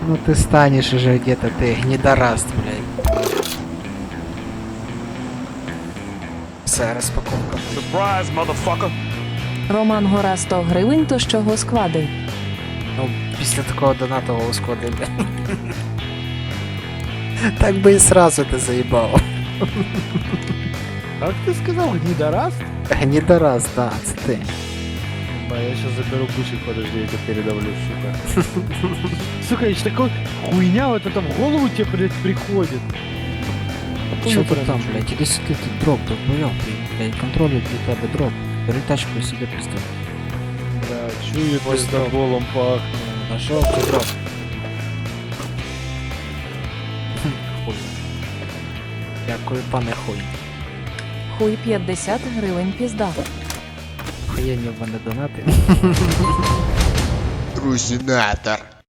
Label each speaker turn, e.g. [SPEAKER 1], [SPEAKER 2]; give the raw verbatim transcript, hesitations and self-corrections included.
[SPEAKER 1] Ну ты станешь уже где-то, ты гнидораст, блядь. Все, розпаковка.
[SPEAKER 2] Surprise, motherfucker!
[SPEAKER 3] Роман Гора сто гривень, то з чого склади?
[SPEAKER 1] Ну, після такого донатового склади, блядь. Так би і сразу ти заїбав.
[SPEAKER 4] Как ты сказал, гнидораст?
[SPEAKER 1] Гнідораст, да, це ти.
[SPEAKER 4] Ба, я сейчас заберу ключик, подожди, я тебе передавлю, сука. Сука, еще такой хуйня вот это в голову тебе, блядь, приходит.
[SPEAKER 1] Що ти там, блядь, іди сюди, ти дроп, тут бойов, блядь, контролюють для тебе дроп. Бери тачку і сюди пізду.
[SPEAKER 4] Да, чую, пиздоболом пахнет.
[SPEAKER 1] Нашов ти дроп. Хуй. Дякую, пане хуй.
[SPEAKER 3] Хуй п'ятдесят гривень пізда.
[SPEAKER 1] Хуєнні в мене донати.
[SPEAKER 5] Трусинатор.